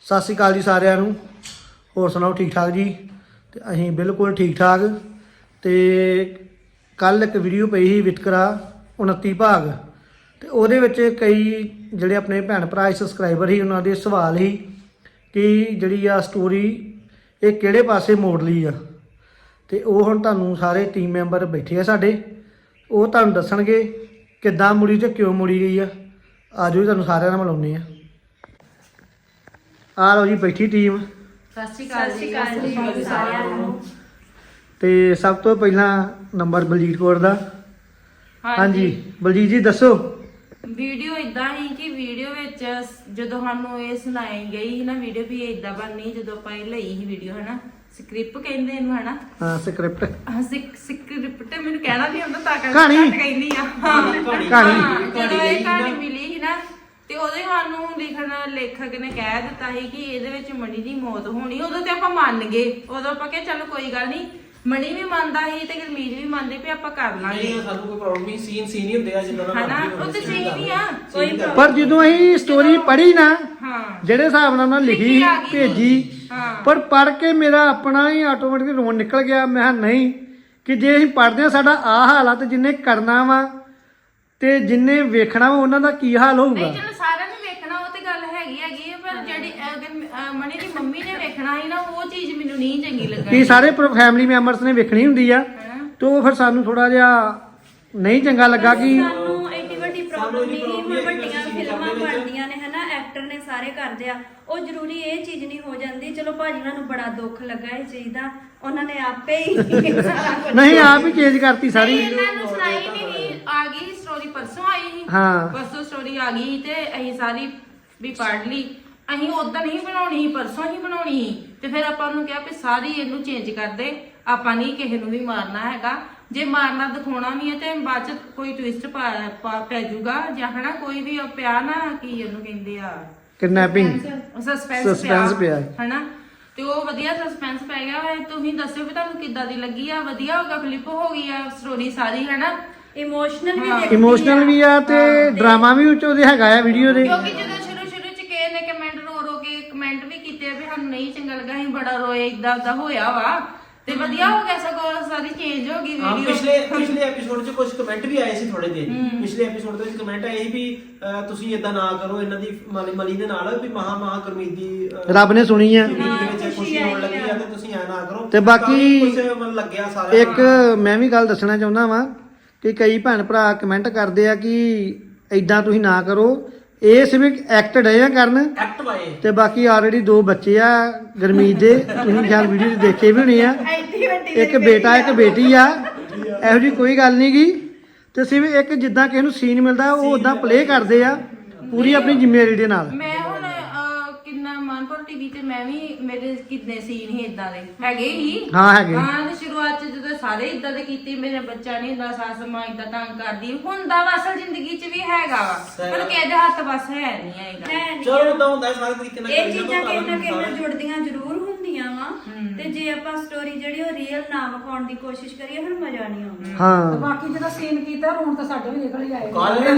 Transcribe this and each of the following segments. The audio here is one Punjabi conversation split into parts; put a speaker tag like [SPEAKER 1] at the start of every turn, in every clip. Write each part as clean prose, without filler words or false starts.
[SPEAKER 1] ਸਤਿ ਸ਼੍ਰੀ ਅਕਾਲ ਜੀ ਸਾਰਿਆਂ ਨੂੰ। ਹੋਰ ਸੁਣਾਓ ਠੀਕ ਠਾਕ ਜੀ? ਤੇ ਅਸੀਂ ਬਿਲਕੁਲ ਠੀਕ ਠਾਕ। ਤੇ ਕੱਲ ਇੱਕ ਵੀਡੀਓ ਪਈ ਸੀ ਵਿਤਕਰਾ 29 ਭਾਗ, ਤੇ ਉਹਦੇ ਵਿੱਚ ਕਈ ਜਿਹੜੇ ਆਪਣੇ ਭੈਣ ਭਰਾ ਸਬਸਕ੍ਰਾਈਬਰ ਸੀ ਉਹਨਾਂ ਦੇ ਸਵਾਲ ਸੀ ਕਿ ਜਿਹੜੀ ਆ ਸਟੋਰੀ ਇਹ ਕਿਹੜੇ ਪਾਸੇ ਮੋੜ ਲਈ ਆ। ਤੇ ਉਹ ਹੁਣ ਤੁਹਾਨੂੰ ਸਾਰੇ ਟੀਮ ਮੈਂਬਰ ਬੈਠੇ ਆ ਸਾਡੇ, ਉਹ ਤੁਹਾਨੂੰ ਦੱਸਣਗੇ ਕਿੱਦਾਂ ਮੁੜੀ ਤੇ ਕਿਉਂ ਮੁੜੀ ਗਈ ਆ। ਆ ਜਾਓ ਤੁਹਾਨੂੰ ਸਾਰਿਆਂ ਨਾਲ ਮਿਲਾਉਂਦੇ ਆ। ਆ ਲਓ ਜੀ ਬੈਠੀ ਟੀਮ।
[SPEAKER 2] ਸਤਿ ਸ਼੍ਰੀ ਅਕਾਲ ਜੀ ਸਾਰਿਆਂ ਨੂੰ।
[SPEAKER 1] ਤੇ ਸਭ ਤੋਂ ਪਹਿਲਾਂ ਨੰਬਰ ਬਲਜੀਤ ਕੌਰ ਦਾ। ਹਾਂਜੀ ਬਲਜੀਤ ਜੀ ਦੱਸੋ।
[SPEAKER 2] ਵੀਡੀਓ ਇਦਾਂ ਹੀ ਕਿ ਵੀਡੀਓ ਵਿੱਚ ਜਦੋਂ ਸਾਨੂੰ ਇਹ ਸੁਣਾਈ ਗਈ ਸੀ ਨਾ ਵੀਡੀਓ ਵੀ ਇਦਾਂ ਬਣਨੀ, ਜਦੋਂ ਆਪਾਂ ਇਹ ਲਈ ਸੀ ਵੀਡੀਓ ਹਨਾ, ਸਕ੍ਰਿਪਟ ਕਹਿੰਦੇ ਇਹਨੂੰ ਹਨਾ।
[SPEAKER 1] ਹਾਂ ਸਕ੍ਰਿਪਟ।
[SPEAKER 2] ਸਕ੍ਰਿਪਟ ਮੈਨੂੰ ਕਹਿਣਾ ਨਹੀਂ ਆਉਂਦਾ ਤਾਂ
[SPEAKER 1] ਕਹਾਣੀ
[SPEAKER 2] ਕਹਿੰਦੀ ਆ।
[SPEAKER 1] ਕਹਾਣੀ
[SPEAKER 2] ਜਦੋਂ ਇਹ ਕਹਾਣੀ ਮਿਲੀ ਸੀ ਨਾ ਤੇ ਉਹਦੇ ਸਾਨੂੰ ਲੇਖਕ ਨੇ ਕਹਿ ਦਿੱਤਾ ਸੀ ਕਿ ਇਹਦੇ ਵਿੱਚ ਮਣੀ ਦੀ ਮੌਤ ਹੋਣੀ। ਉਦੋਂ ਤੇ ਆਪਾਂ ਮੰਨ ਗਏ, ਉਦੋਂ ਆਪਾਂ ਕਿਹਾ ਚਲੋ ਕੋਈ ਗੱਲ ਨਹੀਂ। ਮਣੀ ਵੀ ਮੰਨਦਾ ਸੀ ਤੇ ਗੁਰਮੀਤ ਵੀ ਮੰਨਦੇ ਵੀ ਆਪਾਂ ਕਰ ਲਾਂਗੇ।
[SPEAKER 3] ਨਹੀਂ ਸਾਨੂੰ ਕੋਈ ਪ੍ਰੋਬਲਮ ਨਹੀਂ, ਸੀਨ ਹੀ ਹੁੰਦੇ ਆ ਜਿੱਦਾਂ ਦਾ
[SPEAKER 2] ਹਨਾ, ਉਹ ਤੇ ਸਹੀ ਨਹੀਂ ਆ ਕੋਈ problem
[SPEAKER 1] ਪਰ ਜਦੋਂ ਅਸੀਂ ਸਟੋਰੀ ਪੜ੍ਹੀ ਨਾ,
[SPEAKER 2] ਹਾਂ
[SPEAKER 1] ਜਿਹੜੇ ਹਿਸਾਬ ਨਾਲ ਉਹਨਾਂ ਲਿਖੀ
[SPEAKER 2] ਆ ਗਈ
[SPEAKER 1] ਭੇਜੀ,
[SPEAKER 2] ਹਾਂ
[SPEAKER 1] ਪਰ ਪੜ੍ਹ ਕੇ ਮੇਰਾ ਆਪਣਾ ਹੀ ਆਟੋਮੈਟਿਕ ਰੋਣ ਨਿਕਲ ਗਿਆ। ਮੈਂ ਕਿਹਾ ਨਹੀਂ, ਕਿ ਜੇ ਅਸੀਂ ਪੜ੍ਹਦੇ ਹਾਂ ਸਾਡਾ ਆਹ ਹਾਲ ਆ ਤੇ ਜਿੰਨੇ ਕਰਨਾ ਵਾ ਤੇ ਜਿੰਨੇ ਵੇਖਣਾ ਵਾ ਉਹਨਾਂ ਦਾ ਕੀ ਹਾਲ ਹੋਊਗਾ।
[SPEAKER 2] ਨਹੀਂ ਚਲੋ ਸਾਰਿਆਂ ਨੇ ਵੇਖਣਾ, ਉਹ ਤੇ ਗੱਲ ਹੈਗੀ ਆ, ਪਰ ਜਿਹੜੀ ਮਣੀ ਦੀ ਮੰਮੀ ਨੇ ਵੇਖਣਾ ਸੀ ਨਾ, ਉਹ ਚੀਜ਼ ਮੈਨੂੰ ਨਹੀਂ ਚੰਗੀ ਲੱਗੀ।
[SPEAKER 1] ਕਿ ਸਾਰੇ ਫੈਮਿਲੀ ਮੈਂਬਰਸ ਨੇ ਵੇਖਣੀ ਹੁੰਦੀ ਆ, ਤੇ ਉਹ ਫਿਰ ਸਾਨੂੰ ਥੋੜਾ ਜਿਹਾ ਨਹੀਂ ਚੰਗਾ ਲੱਗਾ ਕਿ
[SPEAKER 4] ਸਾਨੂੰ ਐਡੀ ਵੱਡੀ ਪ੍ਰੋਬਲਮ ਨਹੀਂ। ਹੁਣ ਵੱਡੀਆਂ ਫਿਲਮਾਂ ਬਣਦੀਆਂ ਨੇ ਹਨਾ, ਐਕਟਰ ਨੇ ਸਾਰੇ ਕਰਦੇ ਆ, ਉਹ ਜ਼ਰੂਰੀ ਇਹ ਚੀਜ਼ ਨਹੀਂ ਹੋ ਜਾਂਦੀ। ਚਲੋ ਭਾਜੀ ਉਹਨਾਂ ਨੂੰ ਬੜਾ ਦੁੱਖ ਲੱਗਾ ਇਹ ਚੀਜ਼ ਦਾ, ਉਹਨਾਂ ਨੇ ਆਪੇ ਹੀ ਸਾਰਾ ਕੁਝ
[SPEAKER 1] ਨਹੀਂ ਆਪ ਹੀ ਚੇਂਜ ਕਰਤੀ ਸਾਰੀ।
[SPEAKER 2] ਇਹਨਾਂ ਨੂੰ ਸੁਣਾਈ ਨਹੀਂ, ਆ ਗਈ ਸਟੋਰੀ ਪਰਸੋਂ ਆਈ ਸੀ।
[SPEAKER 1] ਹਾਂ
[SPEAKER 2] ਪਰਸੋਂ ਸਟੋਰੀ ਆ ਗਈ ਤੇ ਅਸੀਂ ਸਾਰੀ ਵੀ ਪੜ੍ਹ ਲਈ। ਅਸੀਂ ਉਦੋਂ ਨਹੀਂ ਬਣਾਉਣੀ ਸੀ, ਪਰਸੋਂ ਹੀ ਬਣਾਉਣੀ ਸੀ। ਤੇ ਫਿਰ ਆਪਾਂ ਉਹਨੂੰ ਕਿਹਾ ਵੀ ਸਾਰੀ ਇਹਨੂੰ ਚੇਂਜ ਕਰ ਦੇ, ਆਪਾਂ ਨਹੀਂ ਕਿਸੇ ਨੂੰ ਵੀ ਮਾਰਨਾ ਹੈਗਾ। ਜੇ ਮਾਰਨਾ ਦਿਖਾਉਣਾ ਵੀ ਹੈ ਤੇ ਬਾਅਦ ਚ ਕੋਈ ਟਵਿਸਟ ਪੈ ਜਾਊਗਾ ਜਾਂ ਹਨਾ, ਕੋਈ ਵੀ ਪਿਆ ਨਾ ਕੀ ਇਹਨੂੰ ਕਹਿੰਦੇ ਆ,
[SPEAKER 1] ਕਿਡਨੈਪਿੰਗ
[SPEAKER 2] ਸਸਪੈਂਸ ਪਿਆ ਹਨਾ। ਤੇ ਉਹ ਵਧੀਆ ਸਸਪੈਂਸ ਪੈ ਗਿਆ। ਤੁਸੀਂ ਦੱਸਿਓ ਵੀ ਤੁਹਾਨੂੰ ਕਿੱਦਾਂ ਦੀ ਲੱਗੀ ਆ। ਵਧੀਆ ਹੋਗਾ, ਫਲਿੱਪ ਹੋ ਗਈ ਆ ਸਟੋਰੀ ਸਾਰੀ ਹਨਾ।
[SPEAKER 4] ਇਮੋਸ਼ਨਲ ਵੀ
[SPEAKER 2] ਹਾਂ।
[SPEAKER 4] ਦੇਖਦੀ
[SPEAKER 1] ਇਮੋਸ਼ਨਲ ਵੀ ਆ ਤੇ ਡਰਾਮਾ ਵੀ ਉੱਚ ਉਹਦੇ ਹੈਗਾ ਆ ਵੀਡੀਓ ਦੇ।
[SPEAKER 2] ਕਿਉਂਕਿ ਜਦੋਂ ਸ਼ੁਰੂ ਚ ਕਿਸੇ ਨੇ ਕਮੈਂਟ ਰੋ ਕੇ ਕਮੈਂਟ ਵੀ ਕੀਤੇ ਵੀ ਸਾਨੂੰ ਨਹੀਂ ਚੰਗਾ ਲੱਗਾ, ਅਸੀਂ ਬੜਾ ਰੋਏ, ਇਦਾਂ ਹੋਇਆ ਵਾ। ਤੇ ਵਧੀਆ ਹੋ ਗਿਆ, ਸਗੋਂ ਸਾਰੀ ਚੇਂਜ ਹੋ ਗਈ
[SPEAKER 3] ਹਾਂ
[SPEAKER 2] ਵੀਡੀਓ।
[SPEAKER 3] ਪਿਛਲੇ ਐਪੀਸੋਡ 'ਚ ਕੁਝ ਕਮੈਂਟ ਵੀ ਆਏ ਸੀ ਥੋੜੇ ਜਿਹੇ। ਪਿਛਲੇ ਐਪੀਸੋਡ ਦੇ ਵਿੱਚ ਕਮੈਂਟ ਆਏ ਸੀ ਵੀ ਤੁਸੀਂ ਇਦਾਂ ਨਾ ਕਰੋ, ਇਹਨਾਂ ਦੀ ਮਲੀ ਦੇ ਨਾਲ ਵੀ ਮਹਾ ਗੁਰਮੀਤ ਦੀ
[SPEAKER 1] ਰੱਬ ਨੇ ਸੁਣੀ ਆ।
[SPEAKER 3] ਜ਼ਿੰਦਗੀ ਦੇ ਵਿੱਚ ਖੁਸ਼ੀ ਹੋਣ ਲੱਗੀ ਆ ਤੇ ਤੁਸੀਂ ਐ ਨਾ ਕਰੋ।
[SPEAKER 1] ਤੇ ਬਾਕੀ
[SPEAKER 3] ਕੁਝ ਮਨ ਲੱਗਿਆ ਸਾਰਿਆਂ
[SPEAKER 1] ਇੱਕ ਮੈਂ ਵੀ ਗੱਲ ਦੱਸਣਾ ਚਾਹੁੰਦਾ ਵਾਂ ਕਿ ਕਈ ਭੈਣ ਭਰਾ ਕਮੈਂਟ ਕਰਦੇ ਆ ਕਿ ਐਦਾਂ ਤੁਸੀਂ ਨਾ ਕਰੋ। ਇਹ ਸਿਰਫ ਐਕਟਡ ਹੈ ਕਰਨ।
[SPEAKER 3] ਐਕਟ ਵਾਏ
[SPEAKER 1] ਤੇ ਬਾਕੀ ਆਲਰੇਡੀ 2 ਬੱਚੇ ਆ ਗੁਰਮੀਤ ਦੇ, ਤੁਸੀਂ ਖਿਆਲ ਵੀਡੀਓ 'ਚ ਦੇਖੇ ਵੀ ਹੋਣੇ ਆ। ਇੱਕ ਬੇਟਾ ਇੱਕ ਬੇਟੀ ਆ, ਇਹੋ ਜਿਹੀ ਕੋਈ ਗੱਲ ਨਹੀਂ ਗੀ। ਤੇ ਸਿਰਫ ਇੱਕ ਜਿੱਦਾਂ ਕਿਸੇ ਨੂੰ ਸੀਨ ਮਿਲਦਾ ਉਹ ਉਦਾਂ ਪਲੇ ਕਰਦੇ ਆ ਪੂਰੀ ਆਪਣੀ ਜ਼ਿੰਮੇਵਾਰੀ ਦੇ ਨਾਲ।
[SPEAKER 2] ਮੈਂ ਹੁਣ ਕਿੰਨਾ ਮਾਨਪੁਰ ਟੀਵੀ ਤੇ ਮੈਂ ਵੀ ਮੇਰੇ ਕਿੰਨੇ ਸੀਨ ਹੀ ਇਦਾਂ ਦੇ ਹੈਗੇ ਹੀ।
[SPEAKER 1] ਹਾਂ ਹੈਗੇ।
[SPEAKER 2] ਹਾਂ ਤੇ ਸ਼ੁਰੂਆਤ ਚ ਜਦੋਂ ਸਾਰੇ ਇਦਾਂ ਦੇ ਕੀਤੇ, ਮੇਰੇ ਬੱਚਾ ਨਹੀਂ ਹੁੰਦਾ, ਸੱਸ ਮਾਂ ਇਦਾਂ ਤੰਗ ਕਰਦੀ ਹੁੰਦਾ ਵਾ। ਅਸਲ ਜ਼ਿੰਦਗੀ ਚ ਵੀ ਹੈਗਾ ਵਾ, ਪਰ ਕਿਸੇ ਦੇ ਹੱਥ ਬਸ ਹੈ ਨਹੀਂ ਹੈਗਾ।
[SPEAKER 3] ਚਲੋ ਉਦਾਂ ਹੁੰਦਾ ਸਾਰੇ ਤਰੀਕੇ ਨਾਲ।
[SPEAKER 4] ਇਹ ਚੀਜ਼ਾਂ ਕਿਸੇ ਨਾ ਕਿਸੇ ਨਾਲ ਜੁੜਦੀਆਂ ਜ਼ਰੂਰ ਹੁੰਦੀਆਂ ਵਾ। ਤੇ ਜੇ ਆਪਾਂ ਸਟੋਰੀ ਜਿਹੜੀ ਉਹ ਰੀਅਲ ਨਾ ਵਿਖਾਉਣ ਦੀ ਕੋਸ਼ਿਸ਼ ਕਰੀਏ ਫਿਰ ਮਜ਼ਾ ਨਹੀਂ ਆਉਂਦਾ।
[SPEAKER 1] ਹਾਂ
[SPEAKER 5] ਬਾਕੀ ਜਦੋਂ ਸੀਨ ਕੀਤਾ ਰੋਣ ਤਾਂ ਸਾਡੇ ਵੀ ਨਿਕਲ ਹੀ ਆਏ।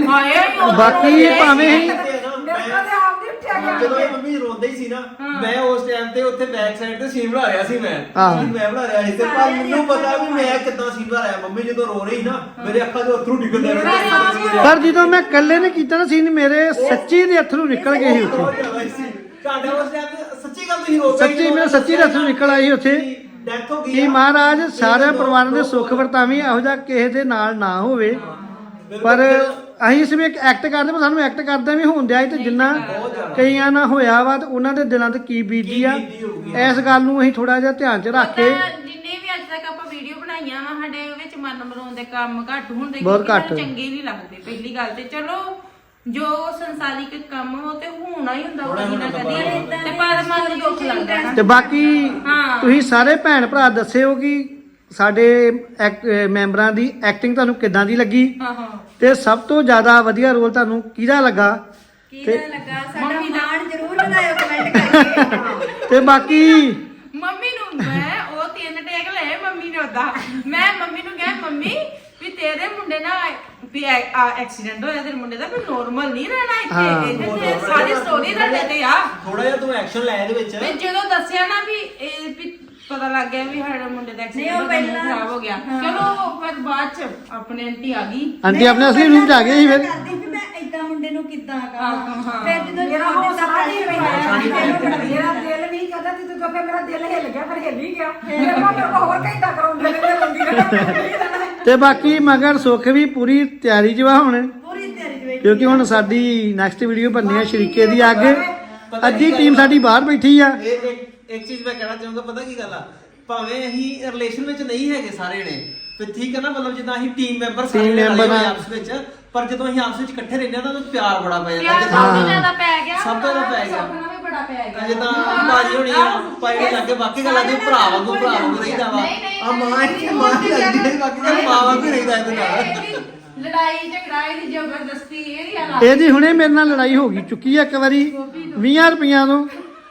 [SPEAKER 1] ਬਾਕੀ ਭਾਵੇਂ
[SPEAKER 5] ਮੇਰੇ ਕੋਲ ਆਪ ਨਹੀਂ ਉੱਠਿਆ ਗਿਆ।
[SPEAKER 3] ਜਦੋਂ ਇਹ ਮੰਮੀ ਰੋਂਦੇ ਹੀ ਸੀ ਨਾ, ਮੈਂ ਉਸ ਟਾਈਮ ਤੇ ਉੱਥੇ ਬੈਕ ਸਾਈਡ ਤੇ ਸੀਨ ਬਣਾ ਰਿਹਾ ਸੀ। ਮੈਂ ਬਣਾ ਰਿਹਾ ਸੀ ਤੇ ਪਰ ਮੈਨੂੰ ਪਤਾ ਵੀ ਮੈਂ ਕਿੱਦਾਂ ਸੀਨ ਬਣਾ ਰਿਹਾ। ਮੰਮੀ ਜਦੋਂ ਰੋ ਰਹੀ ਨਾ, ਮੇਰੇ ਅੱਖਾਂ 'ਚੋਂ ਅੱਥਰੂ ਡਿੱਗਦੇ ਰਹੇ।
[SPEAKER 1] ਪਰ ਜਦੋਂ ਮੈਂ ਇਕੱਲੇ ਨੇ ਕੀਤਾ ਨਾ ਸੀਨ, ਮੇਰੇ ਸੱਚੀ ਦੇ ਅੱਥਰੂ ਨਿਕਲ ਗਏ ਸੀ ਉੱਥੇ।
[SPEAKER 3] ਤੁਹਾਡੇ ਉਸ ਟਾਈਮ ਤੇ ਸੱਚੀ ਗੱਲ ਤੁਸੀਂ ਰੋ ਪਏ।
[SPEAKER 1] ਸੱਚੀ ਮੇਰੇ ਸੱਚੀ ਦੇ ਅੱਥਰੂ ਨਿਕਲ ਆਏ ਸੀ ਉੱਥੇ
[SPEAKER 3] ਡੈਥ ਹੋ ਗਈ
[SPEAKER 1] ਕਿ ਮਹਾਰਾਜ ਸਾਰੇ ਪਰਿਵਾਰਾਂ ਦੇ ਸੁੱਖ ਵਰਤਾਵੀਂ, ਇਹੋ ਜਿਹਾ ਕਿਸੇ ਦੇ ਨਾਲ ਨਾ ਹੋਵੇ। ਪਰ ਅਸੀਂ ਸਿਰਫ ਇੱਕ ਐਕਟ ਕਰਦੇ, ਪਰ ਸਾਨੂੰ ਐਕਟ ਕਰਦਾ ਵੀ ਹੋਣ ਦਿਆ। ਤੇ ਜਿੰਨਾ ਕਈਆਂ ਨਾਲ ਹੋਇਆ ਵਾ ਤੇ ਉਹਨਾਂ ਦੇ ਦਿਲਾਂ ਤੇ ਕੀ ਬੀਤੀ ਆ, ਇਸ ਗੱਲ ਨੂੰ ਅਸੀਂ ਥੋੜਾ ਜਿਹਾ ਧਿਆਨ 'ਚ ਰੱਖ ਕੇ।
[SPEAKER 2] ਜਿੰਨੇ ਵੀ ਅੱਜ ਤੱਕ ਆਪਾਂ ਵੀਡੀਓ ਬਣਾਈਆਂ ਵਾ, ਸਾਡੇ ਵਿੱਚ ਮਰਨ ਮਰਾਉਣ ਦੇ ਕੰਮ ਘੱਟ ਹੁੰਦੇ,
[SPEAKER 1] ਬਹੁਤ ਘੱਟ।
[SPEAKER 2] ਚੰਗੇ ਨਹੀਂ ਲੱਗਦੇ। ਪਹਿਲੀ ਗੱਲ ਤੇ ਚਲੋ ਜੋ ਸੰਸਾਰਿਕ ਕੰਮ ਉਹ ਤੇ ਹੋਣਾ ਹੀ ਹੁੰਦਾ, ਕਦੀ ਨਾ ਕਦੀ, ਤੇ ਪਰ ਮਨ ਨੂੰ ਦੁੱਖ ਲੱਗਦਾ ਨਾ।
[SPEAKER 1] ਤੇ ਬਾਕੀ ਤੁਸੀਂ ਸਾਰੇ ਭੈਣ ਭਰਾ ਦੱਸਿਓ ਕਿ ਸਾਡੇ ਮੈਂਬਰਾਂ ਦੀ ਐਕਟਿੰਗ ਤੁਹਾਨੂੰ ਕਿੱਦਾਂ ਦੀ ਲੱਗੀ, ਤੇ ਸਭ ਤੋਂ ਜ਼ਿਆਦਾ ਵਧੀਆ ਰੋਲ ਤੁਹਾਨੂੰ ਕਿਹਦਾ ਲੱਗਾ।
[SPEAKER 4] ਕਿਹਦਾ ਲੱਗਾ ਸਾਡਾ ਮਾਣ ਜ਼ਰੂਰ ਵਧਾਇਓ ਕਮੈਂਟ ਕਰਕੇ।
[SPEAKER 1] ਤੇ ਬਾਕੀ
[SPEAKER 2] ਮੰਮੀ ਨੂੰ ਮੈਂ ਉਹ 3 ਟੇਕ ਲਏ ਮੰਮੀ ਨੇ ਉਦਾਂ। ਮੈਂ ਮੰਮੀ ਨੂੰ ਕਿਹਾ ਮੰਮੀ ਵੀ ਤੇਰੇ ਮੁੰਡੇ ਨਾਲ ਵੀ ਐਕਸੀਡੈਂਟ ਹੋਇਆ, ਤੇਰੇ ਮੁੰਡੇ ਦਾ ਵੀ ਨੋਰਮਲ ਨਹੀਂ ਰਹਿਣਾ ਇੱਥੇ। ਸਾਰੀ ਸਟੋਰੀ ਤੁਹਾਡੇ ਤੇ ਆ।
[SPEAKER 3] ਥੋੜਾ ਜਿਹਾ ਤੂੰ ਐਕਸ਼ਨ ਲਿਆ ਇਹਦੇ ਵਿੱਚ
[SPEAKER 2] ਤੇ ਜਦੋਂ ਦੱਸਿਆ ਨਾ ਵੀ ਇਹ ਵੀ ਪਤਾ ਲੱਗ ਗਿਆ ਵੀ ਸਾਡਾ ਮੁੰਡੇ ਦਾ
[SPEAKER 4] ਨਹੀਂ, ਉਹ
[SPEAKER 2] ਐਕਸੀਡੈਂਟ
[SPEAKER 4] ਪਹਿਲਾਂ-
[SPEAKER 2] ਖਰਾਬ ਹੋ ਗਿਆ ਚਲੋ ਫਿਰ ਬਾਅਦ ਚ ਆਪਣੇ ਆਂਟੀ ਆ ਗਈ
[SPEAKER 1] ਆਂਟੀ ਆਪਣੇ ਅਸਲੀ ਰੂਪ ਚ ਆ ਗਏ ਸੀ ਫਿਰ
[SPEAKER 4] ਕਰਦੀ ਵੀ ਮੈਂ ਏਦਾਂ ਮੁੰਡੇ ਨੂੰ ਕਿੱਦਾਂ
[SPEAKER 2] ਹਾਂ,
[SPEAKER 4] ਕਰਾਂ
[SPEAKER 2] ਹਾਂ।
[SPEAKER 4] ਫਿਰ ਜਦੋਂ
[SPEAKER 5] ਮੇਰਾ
[SPEAKER 4] ਜਵਾਬ
[SPEAKER 5] ਹੌਸਲਾ
[SPEAKER 4] ਦਿੱਤਾ
[SPEAKER 5] ਨਹੀਂ ਮੇਰਾ ਦਿਲ ਨਹੀਂ ਕਰਦਾ ਤੇ ਤੂੰ ਫਿਰ ਮੇਰਾ ਦਿਲ ਹਿੱਲ ਗਿਆ ਫਿਰ ਹਿੱਲ ਹੀ ਗਿਆ ਫਿਰ ਮੈਂ ਮੇਰੇ ਕੋਲ ਹੋਰ ਘੰਟਾ ਕਰਾਉਂਦੇ ਨੇ ਰੋਂਦੀ ਰਹਿਣਾ
[SPEAKER 1] ਤੇ ਬਾਕੀ ਮਗਰ ਸੁੱਖ ਵੀ ਪੂਰੀ ਤਿਆਰੀ 'ਚ ਵਾ ਹੁਣ
[SPEAKER 4] ਪੂਰੀ ਤਿਆਰੀ ਵਿੱਚ
[SPEAKER 1] ਕਿਉਂਕਿ ਹੁਣ ਸਾਡੀ ਨੈਕਸਟ ਵੀਡੀਓ ਬਣਨੀ ਹੈ ਸ਼ਰੀਕੇ ਦੀ ਅੱਗੇ ਅੱਧੀ ਟੀਮ ਸਾਡੀ ਬਾਹਰ ਬੈਠੀ ਆ
[SPEAKER 3] ਇਹ ਇੱਕ ਚੀਜ਼ ਮੈਂ ਕਹਿਣਾ ਚਾਹੂੰਗਾ ਪਤਾ ਕੀ ਗੱਲ ਆ ਭਾਵੇਂ ਅਸੀਂ ਰਿਲੇਸ਼ਨ ਵਿੱਚ ਨਹੀਂ ਹੈਗੇ ਸਾਰੇ ਨੇ ਤੇ ਠੀਕ ਹੈ ਨਾ ਮਤਲਬ ਜਿੱਦਾਂ ਅਸੀਂ ਟੀਮ ਮੈਂਬਰ ਸਾਰੇ
[SPEAKER 1] Team member ਆ।
[SPEAKER 3] ਆਪਸ ਵਿੱਚ ਪਰ ਜਦੋਂ ਅਸੀਂ ਆਪਸ ਵਿੱਚ ਇਕੱਠੇ ਰਹਿੰਦੇ ਆ ਤਾਂ ਉਹਨੂੰ ਪਿਆਰ ਬੜਾ ਪੈ
[SPEAKER 2] ਪਿਆਰ
[SPEAKER 3] ਜਾਂਦਾ
[SPEAKER 2] ਸਭ ਤੋਂ ਜ਼ਿਆਦਾ ਪੈ ਗਿਆ
[SPEAKER 3] ਸਭ ਤੋਂ ਜ਼ਿਆਦਾ ਪੈ ਗਿਆ।
[SPEAKER 2] ਸੁੱਖ ਨਾਲ ਵੀ ਬੜਾ ਪੈ ਗਿਆ
[SPEAKER 3] ਜਿੱਦਾਂ ਬਾਜੀ ਹੋਣੀ ਆ ਪਾਈ ਲੱਗੇ ਬਾਕੀ ਗੱਲਾਂ ਦੇ ਭਰਾ ਵਾਂਗੂ ਰਹਿੰਦਾ ਵਾ ਆ ਮਾਂ ਹੀ ਲੱਗਦੀ ਹੈ ਬਾਕੀ ਗੱਲ ਮਾਂ ਵਾਂਗੂ ਰਹਿੰਦਾ ਇਹਦੇ ਨਾਲ
[SPEAKER 2] ਇਹ ਵੀ ਲੜਾਈ ਝਗੜਾ ਇਹਦੀ ਜ਼ਬਰਦਸਤੀ ਇਹਦੀ ਹਾਲਾਤ
[SPEAKER 1] ਇਹਦੀ ਹੁਣੇ ਮੇਰੇ ਨਾਲ ਲੜਾਈ ਹੋ ਗਈ ਚੁੱਕੀ ਆ ਇੱਕ ਵਾਰੀ 20 ਰੁਪਈਆਂ ਤੋਂ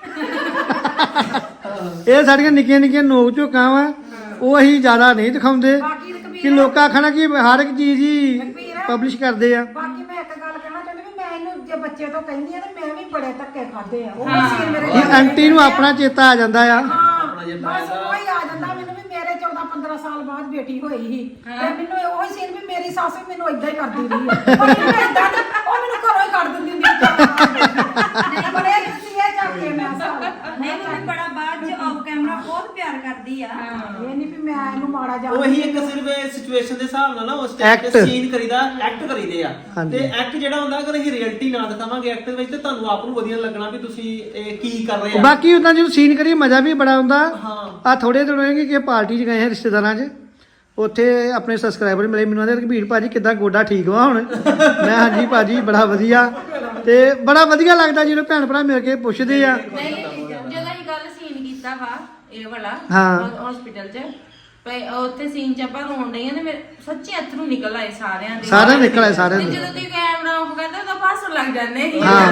[SPEAKER 1] ਇਹ ਸਾਡੀਆਂ ਨਿੱਕੀਆਂ ਨਿੱਕੀਆਂ ਨੋਕ ਝੋਕਾਂ ਵਾ ਉਹ ਅਸੀਂ ਜ਼ਿਆਦਾ ਨਹੀਂ ਦਿਖਾਉਂਦੇ
[SPEAKER 5] ਬਾਕੀ ਤੇ ਕਬੀਰ
[SPEAKER 1] ਕਿ ਲੋਕਾਂ ਆਖਣਾ ਕਿ ਹਰ ਇੱਕ ਚੀਜ਼ ਹੀ ਪਬਲਿਸ਼ ਕਰਦੇ ਆ
[SPEAKER 5] ਬਾਕੀ ਮੈਂ ਇੱਕ ਗੱਲ ਕਹਿਣਾ ਚਾਹੁੰਦੀ ਵੀ ਮੈਂ ਇਹਨੂੰ ਜੇ ਬੱਚੇ ਤੋਂ ਕਹਿੰਦੀ ਆ ਤੇ ਮੈਂ ਵੀ ਬੜੇ ਧੱਕੇ ਖਾਦੇ ਆ ਉਹ ਸੀਨ ਮੇਰੇ
[SPEAKER 1] ਇਹ ਆਂਟੀ ਨੂੰ ਆਪਣਾ ਚੇਤਾ ਆ ਜਾਂਦਾ ਆ
[SPEAKER 3] ਆਪਣਾ ਜੇ
[SPEAKER 5] ਬਸ ਉਹ ਹੀ ਆ ਜਾਂਦਾ ਮੈਨੂੰ ਵੀ ਮੇਰੇ 14-15 ਸਾਲ ਬਾਅਦ ਬੇਟੀ ਹੋਈ ਸੀ ਤੇ ਮੈਨੂੰ ਉਹ ਹੀ ਸੀਨ ਵੀ ਮੇਰੀ ਸੱਸ ਵੀ ਮੈਨੂੰ ਇਦਾਂ ਹੀ ਕਰਦੀ ਰਹੀ ਹੈ ਪਰ ਮੈਨੂੰ ਏਦਾਂ ਨੀ, ਉਹ ਮੈਨੂੰ ਘਰੋਂ ਹੀ ਕੱਢ ਦਿੰਦੀ ਹੁੰਦੀ ਸੀ ਬੜੇ ਤੁਸੀਂ ਇਹ ਚੱਕ ਕੇ ਮੈਂ ਸਾਲ
[SPEAKER 4] ਨਹੀਂ ਮੰਮੀ ਬੜਾ ਬਾਅਦ ਚ ਆਫ ਕੈਮਰਾ ਬਹੁਤ ਪਿਆਰ ਕਰਦੀ ਆ
[SPEAKER 5] ਇਹ ਨਹੀਂ ਵੀ ਮੈਂ ਇਹਨੂੰ ਮਾੜਾ ਜਾ
[SPEAKER 3] ਉਹੀ ਇੱਕ ਸਿਰਫ ਸਿਚੁਏਸ਼ਨ ਦੇ ਹਿਸਾਬ ਨਾਲ ਨਾ ਉਸ ਟਾਈਮ ਤੇ
[SPEAKER 1] Act।
[SPEAKER 3] ਸੀਨ ਕਰੀਦਾ ਐਕਟ ਕਰੀਦੇ ਆ
[SPEAKER 1] ਹਾਂਜੀ।
[SPEAKER 3] ਤੇ ਐਕਟ ਜਿਹੜਾ ਹੁੰਦਾ ਅਗਰ ਅਸੀਂ ਰਿਐਲਿਟੀ ਨਾ ਦਿਖਾਵਾਂਗੇ ਐਕਟ ਵਿੱਚ ਤੇ ਤੁਹਾਨੂੰ ਆਪ ਨੂੰ ਵਧੀਆ ਲੱਗਣਾ ਵੀ ਤੁਸੀਂ ਇਹ ਕੀ ਕਰ ਰਹੇ ਆ
[SPEAKER 1] ਬਾਕੀ ਉਦਾਂ ਜਦੋਂ ਸੀਨ ਕਰੀਏ ਮਜ਼ਾ ਵੀ ਬੜਾ ਆਉਂਦਾ
[SPEAKER 3] ਹਾਂ
[SPEAKER 1] ਆ ਥੋੜੇ ਦਿਨ ਹੋਏ ਕਿ ਪਾਰਟੀ 'ਚ ਗਏ ਹਾਂ ਰਿਸ਼ਤੇਦਾਰਾਂ 'ਚ ਉੱਥੇ ਆਪਣੇ ਸਬਸਕ੍ਰਾਈਬਰ ਮਿਲੇ ਮੈਨੂੰ ਆਂਦੇ ਰਘਬੀਰ ਭਾਜੀ ਕਿੱਦਾਂ ਗੋਡਾ ਠੀਕ ਵਾ ਹੁਣ ਮੈਂ ਹਾਂਜੀ ਭਾਜੀ ਬੜਾ ਵਧੀਆ ਤੇ ਬੜਾ ਵਧੀਆ ਲੱਗਦਾ ਜਦੋਂ ਭੈਣ ਭਰਾ ਮਿਲ ਕੇ ਪੁੱਛਦੇ ਆ
[SPEAKER 2] ਨਹੀਂ ਜਦੋਂ ਅਸੀਂ ਗੱਲ ਸੀਨ ਕੀਤਾ ਵਾ ਇਹ ਵਾਲਾ
[SPEAKER 1] ਹਾਂ।
[SPEAKER 2] ਹਸਪੀਟਲ 'ਚ ਪਈ ਉੱਥੇ ਸੀਨ 'ਚ ਆਪਾਂ ਰੋਣ ਡਈਆਂ ਤੇ ਮੇਰੇ ਸੱਚੀ ਅਥਰੂ ਨਿਕਲ ਆਏ ਸਾਰਿਆਂ ਦੇ
[SPEAKER 1] ਸਾਰਿਆਂ ਨਿਕਲ ਆਏ, ਸਾਰਿਆਂ
[SPEAKER 2] ਤੇ
[SPEAKER 1] ਦੇ।
[SPEAKER 2] ਜਦੋਂ ਤੁਸੀਂ ਕੈਮਰਾ ਆਫ ਕਰਦੇ ਤਾਂ ਪਾਸ ਲੱਗ ਜਾਂਦੇ ਸੀ
[SPEAKER 1] ਹਾਂ।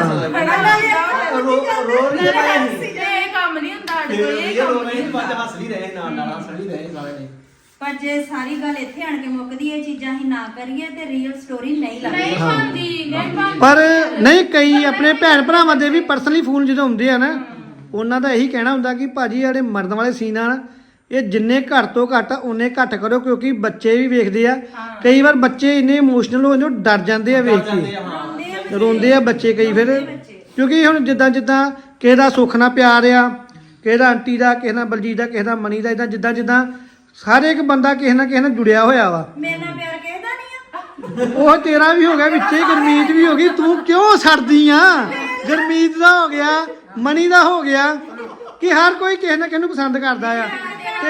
[SPEAKER 3] ਰੋ ਰਹੀ ਹੈ
[SPEAKER 2] ਤੇ ਇਹ ਕੰਮ ਨਹੀਂ ਹੁੰਦਾ ਸਾਡੇ ਕੋਲ ਇਹ
[SPEAKER 3] ਇਹ ਰੋ
[SPEAKER 2] ਕੰਮ
[SPEAKER 3] ਰਹੀ
[SPEAKER 2] ਨਹੀਂ
[SPEAKER 3] ਬਾਅਦ
[SPEAKER 2] ਹੁੰਦਾ
[SPEAKER 3] ਹੱਸ ਵੀ ਰਹੇ ਨਾਲ ਨਾਲ ਹੱਸ ਵੀ ਰਹੇ ਸਾਰੇ ਨੇ
[SPEAKER 4] ਪਰ ਜੇ ਸਾਰੀ ਗੱਲ ਇੱਥੇ ਆਣ ਕੇ ਮੁੱਕਦੀ ਇਹ ਚੀਜ਼ਾਂ ਹੀ ਨਾ ਕਰੀਏ ਤੇ ਰੀਅਲ ਸਟੋਰੀ ਨਹੀਂ ਲੱਗਦੀ
[SPEAKER 2] ਨਹੀਂ ਬਣਦੀ ਨਹੀਂ ਬਣਦੀ
[SPEAKER 1] ਪਰ ਨਹੀਂ ਕਈ ਆਪਣੇ ਭੈਣ ਭਰਾਵਾਂ ਦੇ ਵੀ ਪਰਸਨਲੀ ਫੋਨ ਜਦੋਂ ਆਉਂਦੇ ਆ ਨਾ ਉਹਨਾਂ ਦਾ ਇਹੀ ਕਹਿਣਾ ਹੁੰਦਾ ਕਿ ਭਾਜੀ ਜਿਹੜੇ ਮਰਨ ਵਾਲੇ ਸੀਨ ਆ ਨਾ ਇਹ ਜਿੰਨੇ ਘੱਟ ਤੋਂ ਘੱਟ ਉਹਨੇ ਘੱਟ ਕਰੋ ਕਿਉਂਕਿ ਬੱਚੇ ਵੀ ਵੇਖਦੇ ਆ ਕਈ ਵਾਰ ਬੱਚੇ ਇੰਨੇ ਇਮੋਸ਼ਨਲ ਹੋ ਜਾਂਦੇ ਉਹ ਡਰ ਜਾਂਦੇ ਆ ਵੇਖ
[SPEAKER 3] ਜਾਂਦੇ
[SPEAKER 1] ਕੇ
[SPEAKER 3] ਆ ਹਾਂ
[SPEAKER 1] ਰੋਂਦੇ ਆ ਬੱਚੇ ਕਈ ਫਿਰ ਕਿਉਂਕਿ ਹੁਣ ਜਿੱਦਾਂ ਜਿੱਦਾਂ ਕਿਸੇ ਦਾ ਸੁੱਖ ਨਾਲ ਪਿਆਰ ਆ ਕਿਸੇ ਦਾ ਆਂਟੀ ਦਾ ਕਿਸੇ ਨਾਲ ਬਲਜੀਤ ਦਾ ਕਿਸੇ ਦਾ ਮਨੀ ਦਾ ਇਦਾਂ ਜਿੱਦਾਂ ਜਿੱਦਾਂ ਹਰ ਇੱਕ ਬੰਦਾ ਕਿਸੇ ਨਾ ਕਿਸੇ ਨਾਲ ਜੁੜਿਆ ਹੋਇਆ ਵਾ
[SPEAKER 4] ਮੇਰੇ ਨਾਲ ਪਿਆਰ ਕਿਹਦਾ ਨਹੀਂ ਆ
[SPEAKER 1] ਉਹ ਤੇਰਾ ਵੀ ਹੋ ਗਿਆ ਵਿੱਚੇ ਗੁਰਮੀਤ ਵੀ ਹੋ ਗਈ ਤੂੰ ਕਿਉਂ ਛੱਡਦੀ ਆ ਗੁਰਮੀਤ ਦਾ ਹੋ ਗਿਆ ਮਨੀ ਦਾ ਹੋ ਗਿਆ ਕਿ ਹਰ ਕੋਈ ਕਿਸੇ ਨਾ ਕਿਸੇ ਨੂੰ ਪਸੰਦ ਕਰਦਾ ਆ ਤੇ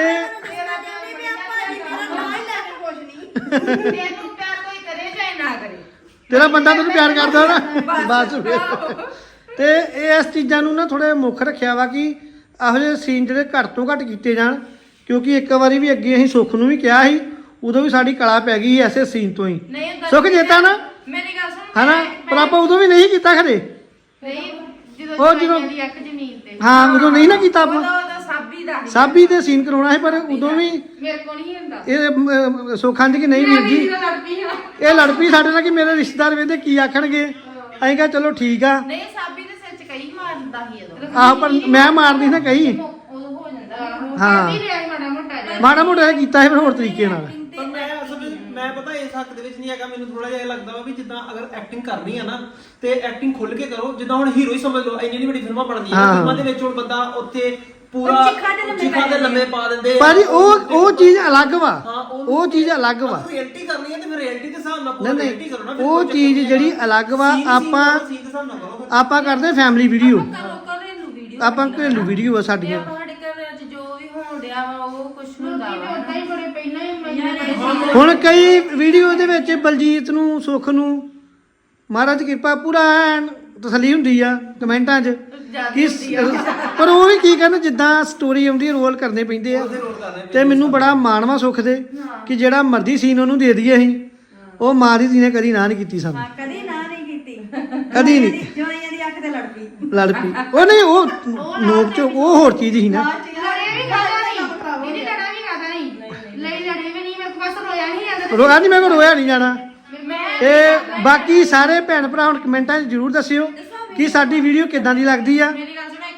[SPEAKER 2] ਤੈਨੂੰ ਪਿਆਰ ਕੋਈ ਕਰੇ ਚਾਹੇ ਨਾ ਕਰੇ
[SPEAKER 1] ਤੇਰਾ ਬੰਦਾ ਤੈਨੂੰ ਪਿਆਰ ਕਰਦਾ ਨਾ ਬਸ ਫਿਰ। ਤੇ ਇਹ ਇਸ ਚੀਜ਼ਾਂ ਨੂੰ ਨਾ ਥੋੜੇ ਮੁੱਖ ਰੱਖਿਆ ਵਾ ਕਿ ਇਹੋ ਜਿਹੇ ਸੀਨ ਜਿਹੜੇ ਘੱਟ ਤੋਂ ਘੱਟ ਕੀਤੇ ਜਾਣ ਕਿਉਂਕਿ ਇੱਕ ਵਾਰੀ ਵੀ ਅੱਗੇ ਅਸੀਂ ਸੁੱਖ ਨੂੰ ਵੀ ਕਿਹਾ ਸੀ ਉਦੋਂ ਵੀ ਸਾਡੀ ਕਲਾ ਪੈ ਗਈ ਐਸੇ ਸੀਨ ਤੋਂ ਹੀ
[SPEAKER 2] ਨਹੀਂ ਹੁੰਦਾ
[SPEAKER 1] ਸੁੱਖ ਜੇਤਾ ਨਾ
[SPEAKER 2] ਮੇਰੀ ਗੱਲ ਸੁਣ
[SPEAKER 1] ਹਨਾ ਪਰ ਆਪਾਂ ਉਦੋਂ ਵੀ ਨਹੀਂ ਕੀਤਾ ਖਰੇ
[SPEAKER 2] ਨਹੀਂ
[SPEAKER 1] ਉਹ
[SPEAKER 2] ਜਦੋਂ
[SPEAKER 1] ਜਦੋਂ-
[SPEAKER 2] ਦੀ ਅੱਖ ਜ਼ਮੀਨ ਤੇ
[SPEAKER 1] ਹਾਂ ਉਦੋਂ ਨਹੀਂ ਨਾ ਕੀਤਾ ਆਪਾਂ
[SPEAKER 2] ਉਹਦਾ ਸਾਬੀ ਦਾ ਸੀ।
[SPEAKER 1] ਸਾਬੀ ਤੇ ਸੀਨ ਕਰਾਉਣਾ ਸੀ ਪਰ ਉਦੋਂ ਵੀ
[SPEAKER 2] ਮੇਰੇ ਕੋਲ ਨਹੀਂ ਹੁੰਦਾ
[SPEAKER 1] ਇਹ ਸੁੱਖਾਂ ਦੀ ਕਿ ਨਹੀਂ ਵੀਰ ਜੀ
[SPEAKER 2] ਮੈਂ ਲੜਦੀ ਹਾਂ
[SPEAKER 1] ਇਹ ਲੜ ਪਈ ਸਾਡੇ ਨਾਲ ਕਿ ਮੇਰੇ ਰਿਸ਼ਤੇਦਾਰ ਵੇਖਦੇ ਕੀ ਆਖਣਗੇ ਅਸੀਂ ਕਿਹਾ ਚਲੋ ਠੀਕ ਆ
[SPEAKER 2] ਨਹੀਂ ਸਾਬੀ ਦੇ ਸਿਰ 'ਚ ਕਈ ਮਾਰਦਾ ਸੀ ਉਦੋਂ
[SPEAKER 1] ਆਹ ਪਰ ਮੈਂ ਮਾਰਦੀ ਨਾ ਕਹੀ
[SPEAKER 2] ਉਦੋਂ ਹੋ ਜਾਂਦਾ
[SPEAKER 1] ਹਾਂ।
[SPEAKER 2] ਨਹੀਂ ਰਿਹਾ ਮਾੜਾ ਮੋਟਾ ਜਿਹਾ
[SPEAKER 1] ਮਾੜਾ ਮੋਟਾ ਇਹ ਕੀਤਾ ਸੀ ਫਿਰ ਹੋਰ ਤਰੀਕੇ ਨਾਲ
[SPEAKER 3] ਪਰ ਮੈਂ ਅਸਲ ਵਿੱਚ ਮੈਂ ਪਤਾ ਇਸ ਹੱਕ ਦੇ ਵਿੱਚ ਨਹੀਂ ਹੈਗਾ ਮੈਨੂੰ ਥੋੜਾ ਜਿਹਾ ਇਹ ਲੱਗਦਾ ਵਾ ਵੀ ਜਿੱਦਾਂ ਅਗਰ ਐਕਟਿੰਗ ਕਰਨੀ ਆ ਨਾ ਤੇ ਐਕਟਿੰਗ ਖੁੱਲ ਕੇ ਕਰੋ ਜਿੱਦਾਂ ਹੁਣ ਹੀਰੋ ਹੀ ਸਮਝ ਲਓ ਇੰਨੀ ਵੱਡੀ ਫਿਲਮਾਂ ਬਣਦੀਆਂ
[SPEAKER 1] ਹਾਂ।
[SPEAKER 3] ਫਿਲਮਾਂ ਦੇ ਵਿੱਚ ਹੁਣ ਬੰਦਾ ਉੱਥੇ ਪੂਰਾ
[SPEAKER 4] ਚਿੱਖਾਂ
[SPEAKER 3] ਦੇ ਲੰਮੇ ਪਾ ਦਿੰਦੇ ਆ।
[SPEAKER 1] ਭਾਜੀ ਉਹ ਚੀਜ਼ ਅਲੱਗ ਵਾ
[SPEAKER 3] ਹਾਂ,
[SPEAKER 1] ਉਹ ਚੀਜ਼ ਅਲੱਗ ਵਾ
[SPEAKER 3] ਰਿਐਲਿਟੀ ਕਰਨੀ ਹੈ ਤੇ ਫਿਰ ਰਿਐਲਿਟੀ ਦੇ ਹਿਸਾਬ ਨਾਲ ਪੂਰਾ
[SPEAKER 1] ਨਹੀਂ
[SPEAKER 3] ਰਿਐਲਿਟੀ ਕਰੋ ਨਾ
[SPEAKER 1] ਨਹੀਂ ਉਹ ਚੀਜ਼ ਜਿਹੜੀ ਅਲੱਗ ਵਾ ਆਪਾਂ
[SPEAKER 3] ਸੀਨ ਦੇ ਹਿਸਾਬ ਨਾਲ ਕਰੋ ਫਿਰ।
[SPEAKER 1] ਆਪਾਂ ਕਰਦੇ ਫੈਮਿਲੀ ਵੀਡੀਓ
[SPEAKER 2] ਘਰੇਲੂ ਵੀਡੀਓ
[SPEAKER 1] ਆਪਾਂ ਘਰੇਲੂ ਵੀਡੀਓ ਆ
[SPEAKER 2] ਤੇ
[SPEAKER 1] ਸਾਡੀਆਂ
[SPEAKER 2] ਆਪਾਂ ਸਾਡੇ ਘਰਾਂ 'ਚ ਜੋ ਵੀ ਹੋਣ ਡਿਆ ਵਾ ਉਹ ਕੁਝ ਹੁੰਦਾ ਵਾ ਉਦਾਂ ਹੀ ਬੜੇ ਪਹਿਲਾਂ ਹੀ ਮੈਂ
[SPEAKER 1] ਹੁਣ ਕਈ ਵੀਡੀਓ ਦੇ ਵਿੱਚ ਬਲਜੀਤ ਨੂੰ ਸੁੱਖ ਨੂੰ ਮਹਾਰਾਜ ਦੀ ਕਿਰਪਾ ਪੂਰਾ ਐਨ ਤਸੱਲੀ ਹੁੰਦੀ ਆ ਕਮੈਂਟਾਂ 'ਚ ਕਿ ਪਰ ਉਹ ਵੀ ਕੀ ਕਰਨ ਜਿੱਦਾਂ ਸਟੋਰੀ ਆਉਂਦੀ ਰੋਲ ਕਰਨੇ ਪੈਂਦੇ ਆ ਤੇ ਮੈਨੂੰ ਬੜਾ ਮਾਣਵਾ ਸੁੱਖ ਦੇ ਕਿ ਜਿਹੜਾ ਮਰਜ਼ੀ ਸੀਨ ਉਹਨੂੰ ਦੇ ਦਈਏ ਅਸੀਂ ਉਹ ਮਾਂ ਦੀ ਨੇ ਕਦੀ ਨਾ ਨਹੀਂ ਕੀਤੀ ਸਾਨੂੰ
[SPEAKER 4] ਹਾਂ ਕਦੀ ਨਾ ਨਹੀਂ ਕੀਤੀ
[SPEAKER 1] ਕਦੀ ਨਹੀਂ
[SPEAKER 4] ਜਵਾਈਆਂ ਦੀ ਅੱਖ ਤੇ ਲੜ ਪਈ
[SPEAKER 1] ਲੜ ਪਈ ਉਹ ਨਹੀਂ ਉਹ ਨੋਕ ਚ ਉਹ ਹੋਰ ਚੀਜ਼ ਸੀ ਨਾ
[SPEAKER 2] ਲੜੇ ਵੀ ਖਾਦਾ ਨਹੀਂ ਇਹਦੀ ਲੜਾ ਵੀ ਖਾਦਾ ਨਹੀਂ ਲਈ ਲੜੇ ਵੀ ਨਹੀਂ ਮੇਰੇ ਕੋਲ ਬਸ ਰੋਇਆ ਨਹੀਂ ਜਾਂਦਾ
[SPEAKER 1] ਰੋਇਆ ਨਹੀਂ ਮੈਂ ਕੋ ਰੋਇਆ ਨਹੀਂ ਜਾਣਾ
[SPEAKER 2] ਮੈਂ
[SPEAKER 1] ਤੇ ਬਾਕੀ ਸਾਰੇ ਭੈਣ ਭਰਾ ਹੁਣ ਕਮੈਂਟਾਂ 'ਚ ਜ਼ਰੂਰ ਦੱਸਿਓ ਕਿ ਸਾਡੀ ਵੀਡੀਓ ਕਿੱਦਾਂ ਦੀ ਲੱਗਦੀ ਆ
[SPEAKER 2] ਮੇਰੀ ਗੱਲ ਸੁਣੋ ਇੱਕ ਵੀਡੀਓ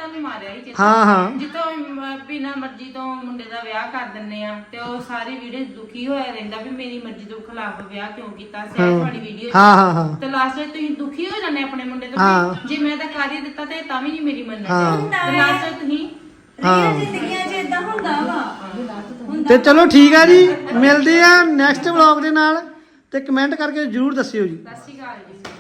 [SPEAKER 2] ਤੁਹਾਨੂੰ ਮਾਰਿਆ ਹੀ
[SPEAKER 1] ਹਾਂ।
[SPEAKER 2] ਜਿੱਤੋਂ ਬਿਨਾਂ ਮਰਜ਼ੀ ਤੋਂ ਮੁੰਡੇ ਦਾ ਵਿਆਹ ਕਰ ਦਿੰਨੇ ਆ ਤੇ ਉਹ ਸਾਰੀ ਵੀਡੀਓ ਦੁਖੀ ਹੋਇਆ ਰਹਿੰਦਾ ਵੀ ਮੇਰੀ ਮਰਜ਼ੀ ਤੋਂ ਖਿਲਾਫ ਵਿਆਹ ਕਿਉਂ ਕੀਤਾ ਸਹਿਜ ਵਾਲੀ ਵੀਡੀਓ
[SPEAKER 1] ਹਾਂ
[SPEAKER 2] ਤੇ ਲਾਸਟ ਵਿੱਚ ਤੁਸੀਂ ਦੁਖੀ ਹੋ ਜਾਂਦੇ ਆਪਣੇ ਮੁੰਡੇ ਤੋਂ
[SPEAKER 1] ਹਾਂ।
[SPEAKER 2] ਵੀ ਜੇ ਮੈਂ ਤਾਂ ਕਰ ਹੀ ਦਿੱਤਾ ਤੇ ਤਾਂ ਵੀ ਨਹੀਂ ਮੇਰੀ ਮੰਨਣੀ
[SPEAKER 1] ਹਾਂ।
[SPEAKER 2] ਤੇ ਲਾਸਟ ਵਿੱਚ ਤੁਸੀਂ
[SPEAKER 4] ਰੀਅਲ ਜ਼ਿੰਦਗੀਆਂ 'ਚ ਇਦਾਂ ਹੁੰਦਾ ਵਾ
[SPEAKER 1] ਤੇ ਚਲੋ ਠੀਕ ਆ ਜੀ, ਮਿਲਦੇ ਆ ਨੈਕਸਟ ਵਲੌਗ ਦੇ ਨਾਲ ਤੇ ਕਮੈਂਟ ਕਰਕੇ ਜਰੂਰ ਦੱਸਿਓ ਜੀ।
[SPEAKER 2] ਸਤਿ ਸ਼੍ਰੀ ਅਕਾਲ ਜੀ।